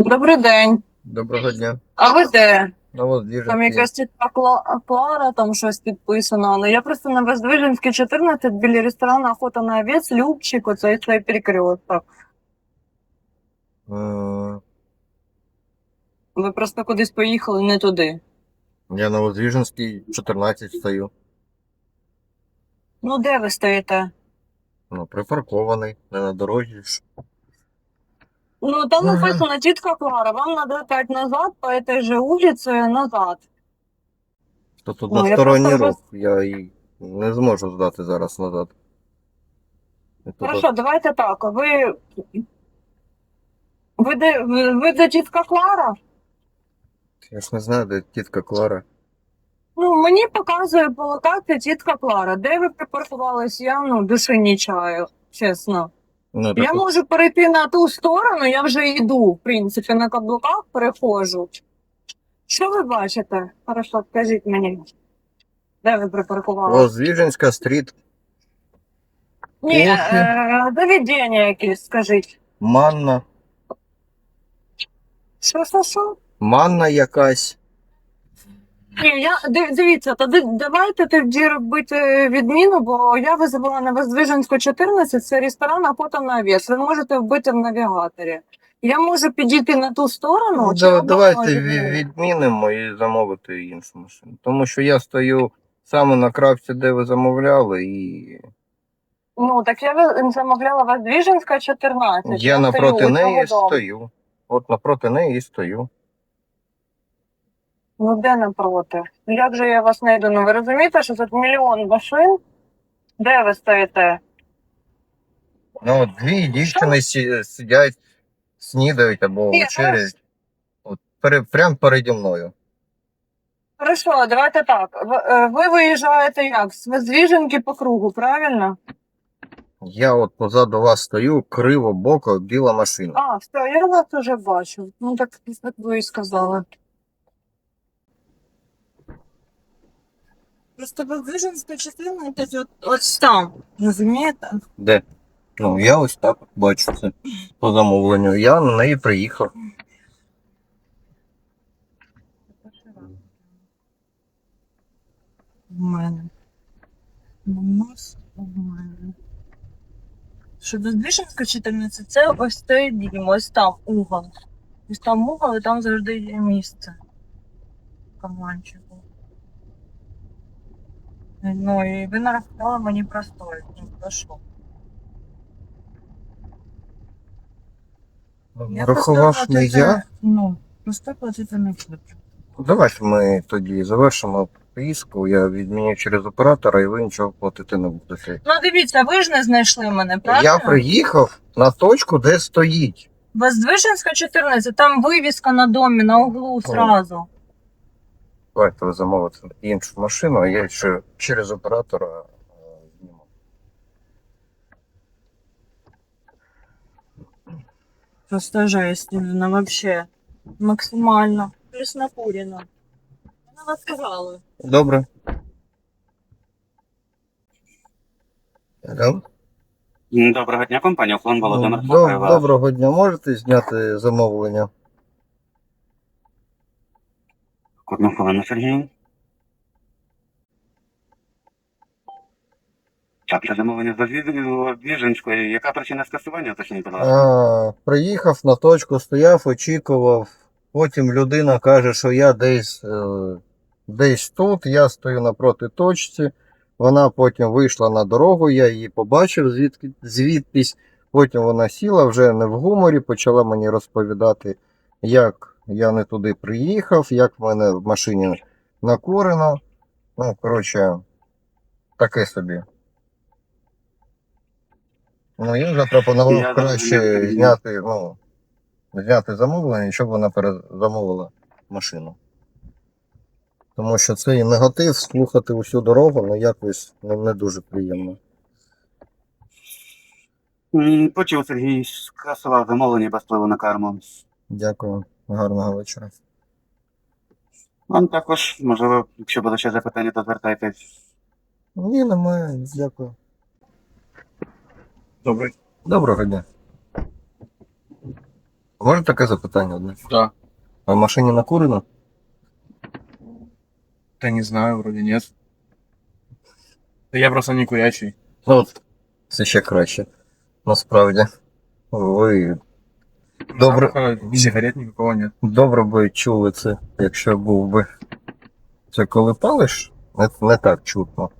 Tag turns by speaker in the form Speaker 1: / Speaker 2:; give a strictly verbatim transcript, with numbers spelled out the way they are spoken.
Speaker 1: Добрий день.
Speaker 2: Доброго дня.
Speaker 1: А ви де?
Speaker 2: Ну от Двіжинський.
Speaker 1: Там якась тітка Кла- Клара, там щось підписано. Але я просто на Воздвиженській, чотирнадцять, біля ресторану «Охота на овець», Любчик, оцей цей перекресток.
Speaker 2: Е,
Speaker 1: Ви просто кудись поїхали не туди.
Speaker 2: Я на Воздвиженській чотирнадцять стою.
Speaker 1: Ну, де ви стоїте?
Speaker 2: Ну, припаркований, не на дорозі ж.
Speaker 1: Ну, там
Speaker 2: Ага.
Speaker 1: написано «Тітка Клара», вам надо опять назад, по этой же улице назад.
Speaker 2: То тут
Speaker 1: Ну, я
Speaker 2: односторонній
Speaker 1: просто
Speaker 2: рух, я і не зможу здати зараз назад. І тут
Speaker 1: Хорошо, давайте так, ви... Ви де, ви, ви де тітка Клара?
Speaker 2: от, я ж не знаю, де тітка Клара.
Speaker 1: Ну, мені показує по локації тітка Клара. Де ви припаркувались, я ну, душі не чаю, чесно.
Speaker 2: Ну,
Speaker 1: Я
Speaker 2: так,
Speaker 1: можу перейти на ту сторону, я вже йду, в принципі, на каблуках переходжу. Що ви бачите? Хорошо, скажіть мені. Де ви припаркувалися?
Speaker 2: Воздвиженська стріт,
Speaker 1: Ні,
Speaker 2: Охи.
Speaker 1: е, заведення якесь, скажіть.
Speaker 2: манна,
Speaker 1: Що, що, що?
Speaker 2: манна якась.
Speaker 1: Ні, я, див- дивіться, тоді давайте тоді робити відміну, бо я визивала на Воздвиженську чотирнадцять, це ресторан «Охота на овець». Ви можете вбити в навігаторі. Я можу підійти на ту сторону,
Speaker 2: Ну,
Speaker 1: чи
Speaker 2: да-
Speaker 1: ви
Speaker 2: давайте
Speaker 1: можете?
Speaker 2: ві- відмінимо і замовити іншу машину. Тому що я стою саме на крапці, де ви замовляли, і
Speaker 1: Ну, так я ви- замовляла Воздвиженська чотирнадцять.
Speaker 2: я напроти
Speaker 1: стою у
Speaker 2: неї
Speaker 1: цього дому.
Speaker 2: стою. От напроти неї і стою.
Speaker 1: Ну, де напроти? Ну, як же я вас знайду? Ну, ви розумієте, що тут мільйон машин? Де ви стоїте?
Speaker 2: Ну, от дві дівчини сі- сидять, снідають або
Speaker 1: Ні,
Speaker 2: вечеряють. От пере, прямо переді мною.
Speaker 1: Хорошо, давайте так. Ви, е, ви виїжджаєте як? З Воздвиженки по кругу, правильно?
Speaker 2: Я от позаду вас стою, криво, боко, біла машина.
Speaker 1: А, все, я вас уже бачу. Ну, так, як ви і сказали. Просто Воздвиженська частина це от, ось там, розумієте?
Speaker 2: Де? Ну, я ось так от бачу це по замовленню. Я на неї приїхав.
Speaker 1: У мене. У нас у мене. Що Воздвиженська чотирнадцять, це ось той дім, ось там угол. Ось там угол, і там завжди є місце. Каманчику. Ну, і ви нарахували мені простою. Ну, прошу.
Speaker 2: Рахував
Speaker 1: просто
Speaker 2: не
Speaker 1: платити-
Speaker 2: я.
Speaker 1: Ну, просто платити не буду.
Speaker 2: Давайте ми тоді завершимо поїздку. Я відміню через оператора і ви нічого платити не будете.
Speaker 1: Ну, дивіться, ви ж не знайшли мене, правильно?
Speaker 2: Я приїхав на точку, де стоїть.
Speaker 1: Воздвиженська чотирнадцять, там вивіска на домі, на углу сразу.
Speaker 2: Давайте ви замовите іншу машину, а я ще через оператора е, зніму.
Speaker 1: Просто жесть, Ірина, вообще. Максимально. Плюс накурено. Вона вас сказала.
Speaker 2: Добре. Алло?
Speaker 3: Доброго дня, компанія «Уклон», Володимир
Speaker 2: Доб-
Speaker 3: слухаю вас.
Speaker 2: Доброго дня. Можете зняти замовлення?
Speaker 3: Одну хвилину, Сергій. Так, це замовлення з Біженської. Яка причина скасування, точніше, будь ласка?
Speaker 2: А, приїхав на точку, стояв, очікував. Потім людина каже, що я десь, е, десь тут, я стою напроти точці. Вона потім вийшла на дорогу, я її побачив звідки, звідтись. Потім вона сіла вже не в гуморі, почала мені розповідати, як я не туди приїхав, як в мене в машині накурено. Ну, коротше, таке собі. Ну, я запропонував
Speaker 3: Я
Speaker 2: краще
Speaker 3: зрозумів.
Speaker 2: зняти, ну, зняти замовлення, щоб вона перезамовила машину. Тому що цей негатив слухати усю дорогу, ну якось не, не дуже приємно.
Speaker 3: М, Почув, Сергій, скасував замовлення без впливу на карму.
Speaker 2: Дякую, гарного вечора.
Speaker 3: Вам також, можливо, якщо буде ще запитання, то звертайтесь.
Speaker 2: Ні, немає, дякую. Добрий. Доброго дня. Може таке запитання одне?
Speaker 4: Да.
Speaker 2: А в машині накурено?
Speaker 4: Да не знаю, вроде нет. Да я просто не курящий.
Speaker 2: Ну от, це ще краще. Насправді. Ви Добре.
Speaker 4: Запаха ни сигарет никакого нет.
Speaker 2: добре би чули це, якщо був би. Це коли палиш, не, не так чутно.